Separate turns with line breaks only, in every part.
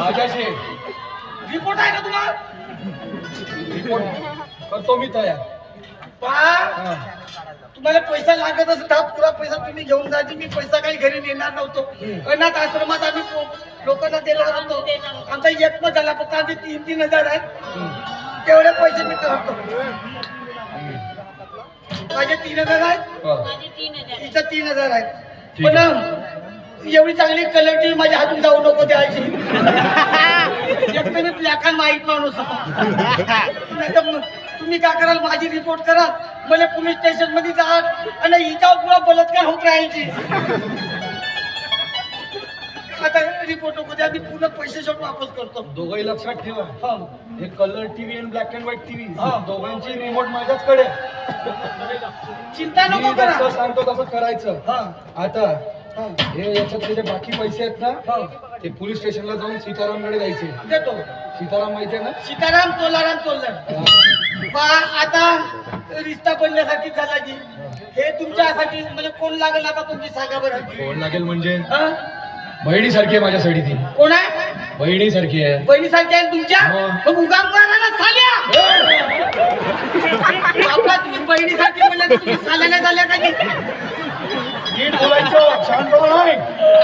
माझ्याशी
रिपोर्ट आहे का तुम्हाला?
रिपोर्ट करतो मी तयार.
पहा, तुम्हाला पैसा लागत असेल तर पुरा पैसा तुम्ही घेऊन जायचे. मी पैसा काही घरी नेणार नव्हतो. अनाथ आश्रमात आम्ही लोकांना देणार होतो. आमचा एक मत झाला, फक्त आमचे 3,000 आहेत. तेवढे पैसे मी करतो. माझे 3,000 आहेत, तिचं 3,000 आहेत. पण एवढी चांगली कलर माझ्या हातून जाऊ नको द्यायची. एक तर मी ब्लॅक अँड व्हाईट माणूस. नाही तर तुम्ही काय कराल, माझी रिपोर्ट करा, मला पोलीस स्टेशन मध्ये जा आणि हिच्यावर पुरा बलात्कार होत राहायची. आता रिपोर्ट नको द्या, मी पूर्ण पैसे शेवट वापस करतो.
दोघंही लक्षात ठेवा, हे कलर टीव्ही आणि ब्लॅक अँड व्हाईट टीव्ही दोघांची रिमोट माझ्याचकडे.
चिंता नको
मी
करा,
जसं सांगतो तसं करायचं. आता
हा.
हे याच्यातले जे बाकी पैसे आहेत ना, ते पोलीस स्टेशनला जाऊन सीतारामकडे द्यायचे.
देतो.
सीताराम माहिती आहे ना?
सीताराम तोलाराम तोलर. आता रिश्ता बनण्यासाठी झाला की हे तुमच्यासाठी म्हणजे कोण लागेल आता तुम्ही सांगा बरं.
कोण लागेल म्हणजे
हा?
बहिणीसारखी आहे माझ्यासाठी ती.
कोण आहे?
बहिणीसारखी आहे.
बहिणीसारखी आहे तुमच्या? मग उगाम करा ना साल्या. आपला तुम्ही बहिणीसारखी बोलल्या तर तुम्ही साल्या नाही झाल्या का?
नीट बोलायचं, शांतपणा नाही.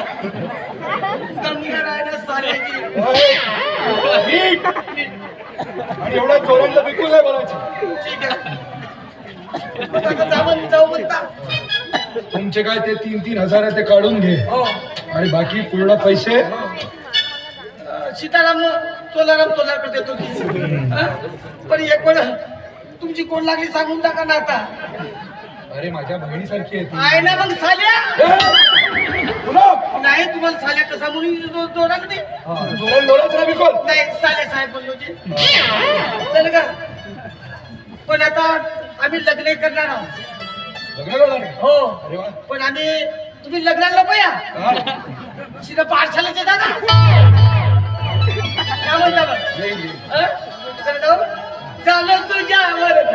उगाम करायला साल्याची.
नीट. आणि एवढ्या चोरांना बिलकुल नाही बोलायचं.
ठीक आहे. आता जाऊ म्हणता.
तुमचे काय ते 3,000 आहे ते काढून घे.
हो.
आणि बाकी पूर्ण पैसे
सीताराम तोलाराम तोलार देतो की. पण एक वेळ तुमची कोण लागली सांगून टाका ना आता.
अरे माझ्या बहिणीसारखी आहे ती.
आहे ना मग साल्या.
पुन्हा?
नाही तुम्हाला साल्या कसा म्हणून दोरा नाही.
डोळ्याच ना बिलकुल.
नाही साल्या साहेब बोललो जे. चल का. पण आता आम्ही लग्न करणार आहोत.
लग्न करणार आहे?
हो.
अरे वा.
पण आम्ही तुम्ही लग्नाला नको या.
हा.
सीधा पाठशाळेचे दादा. काय म्हणता बरं?
येईल, येईल.
झालं तुझ्यावर